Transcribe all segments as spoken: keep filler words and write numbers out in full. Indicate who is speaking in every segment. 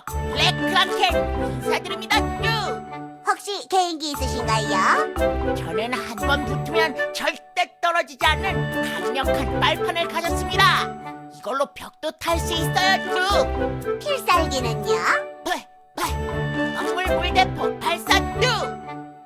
Speaker 1: 블랙크랑켄 인사드립니다. 뚜.
Speaker 2: 혹시 개인기 있으신가요?
Speaker 1: 저는 한 번 붙으면 절대 떨어지지 않는 강력한 빨판을 가졌습니다. 이걸로 벽도 탈 수 있어요. 뚜.
Speaker 2: 필살기는요?
Speaker 1: 배, 배, 광물 물대포 발사. 뚜.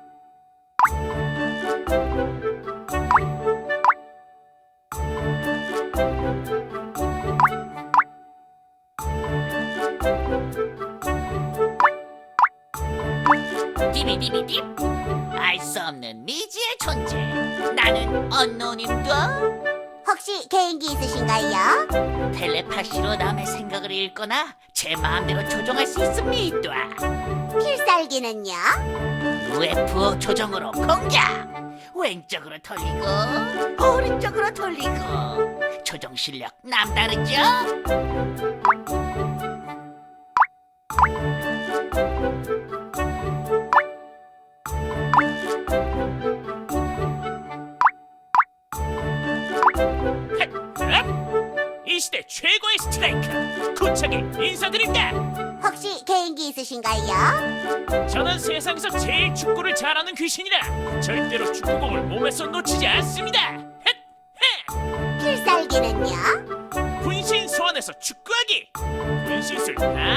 Speaker 1: 디비디비디. 알 수 없는 미지의 존재. 나는 언노님도
Speaker 2: 혹시 개인기 있으신가요?
Speaker 1: 텔레파시로 남의 생각을 읽거나 제 마음대로 조종할 수 있습니다.
Speaker 2: 필살기는요?
Speaker 1: 유에프오 조종으로 공격. 왼쪽으로 돌리고 오른쪽으로 돌리고. 조종 실력 남다르죠?
Speaker 3: 이 시대 최고의 스트라이커 구척이 인사드립니다.
Speaker 2: 혹시 개인기 있으신가요?
Speaker 3: 저는 세상에서 제일 축구를 잘하는 귀신이라 절대로 축구공을 몸에서 놓치지 않습니다. 헷! 헷!
Speaker 2: 필살기는요?
Speaker 3: 분신 소환해서 축구하기. 분신술 다